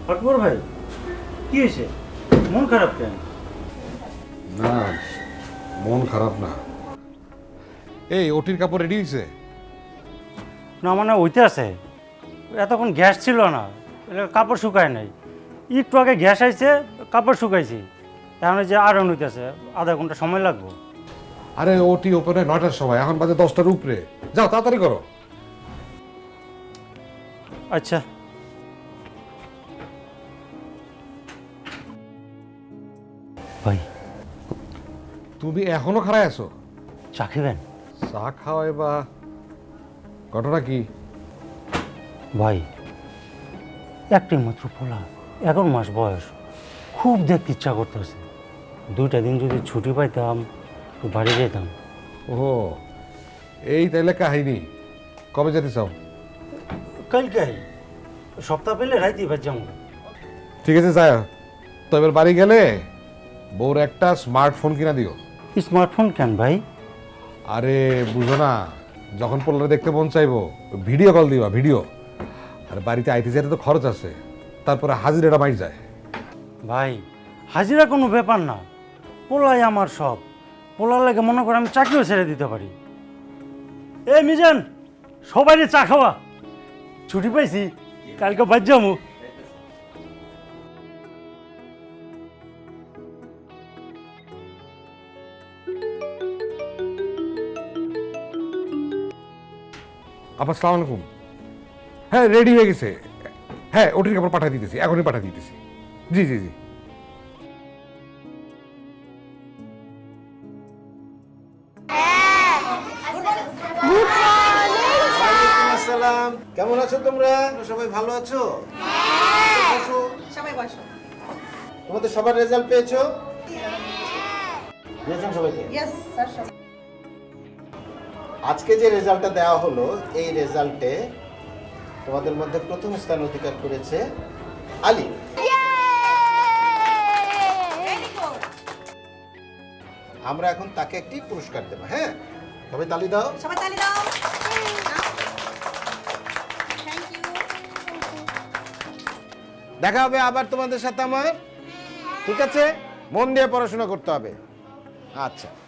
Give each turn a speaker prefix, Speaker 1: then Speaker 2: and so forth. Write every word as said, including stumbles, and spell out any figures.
Speaker 1: আকবর ভাই, কি হয়েছে? মন খারাপ কেন?
Speaker 2: না, মন খারাপ না। এই ওটির কাপড় রেডি হয়েছে?
Speaker 1: না মানে ওইতে আছে, এতক্ষণ গ্যাস ছিল না, এটা কাপড় শুকায় নাই। একটু আগে গ্যাস আইছে, কাপড় শুকাইছি। এখন যে আয়রন হইতেছে, আধা ঘন্টা সময় লাগবে।
Speaker 2: আরে ওটি ওপেনে নয়টার সময়, এখন বাজে দশটার উপরে। যাও তাড়াতাড়ি করো।
Speaker 1: আচ্ছা। ভাই,
Speaker 2: তুমি এখনো খাড়ায় আছো?
Speaker 1: চা খাবেন?
Speaker 2: চা খাওয়াই বা ঘটনা কি?
Speaker 1: ভাই, একটাই মাত্র পোলা, এগারো মাস বয়স, খুব দেখতে ইচ্ছা করতেছে। দুইটা দিন যদি ছুটি পাইতাম, একটু বাড়ি যেতাম।
Speaker 2: ও, এই তাইলে কাহিনী। কবে যেতে চাও?
Speaker 1: কালকে সপ্তাহ পেলে রাইতে ভাই যাবো।
Speaker 2: ঠিক আছে যায়, তো এবার বাড়ি গেলে বউর একটা স্মার্টফোন কিনা দিও।
Speaker 1: স্মার্টফোন কেন ভাই?
Speaker 2: আরে বুঝো না, যখন পোলারে দেখতে মন চাইবো ভিডিও কল দিবা, ভিডিও। আর বাড়িতে আইতে যেতে তো খরচ আছে, তারপরে হাজিরাটা মাইট যায়।
Speaker 1: ভাই, হাজিরা কোনো ব্যাপার না, পোলাই আমার সব। পোলার লাগে মনে করে আমি চাকরিও ছেড়ে দিতে পারি। এ মিজান, সবাই চা খাওয়া, ছুটি পাইছি, কালকে বাদ যাবো।
Speaker 2: আবার সালাম আলাইকুম। হ্যাঁ রেডি হয়ে গেছে। হ্যাঁ ওটির কাপড় পাঠিয়ে দিতেছি, এখনই পাঠিয়ে দিতেছি। জি জি জি।
Speaker 3: আসসালাম, কেমন আছো তোমরা? সবাই ভালো আছো? বসো।
Speaker 4: সবাই বসো।
Speaker 3: তোমাদের সবার রেজাল্ট পেয়েছো? দিয়েছেন সবাইকে?
Speaker 4: ইয়েস স্যার, সবাই।
Speaker 3: আজকে যে রেজাল্টটা দেওয়া হলো, এই রেজাল্টে তোমাদের মধ্যে প্রথম স্থান অধিকার করেছে আলী। আমরা এখন তাকে একটি পুরস্কার দেবো। হ্যাঁ, তবে তালি দাও।
Speaker 4: সবাই তালি দাও। Thank you.
Speaker 3: দেখা হবে আবার তোমাদের সাথে আমার। ঠিক আছে, মন দিয়ে পড়াশোনা করতে হবে। আচ্ছা।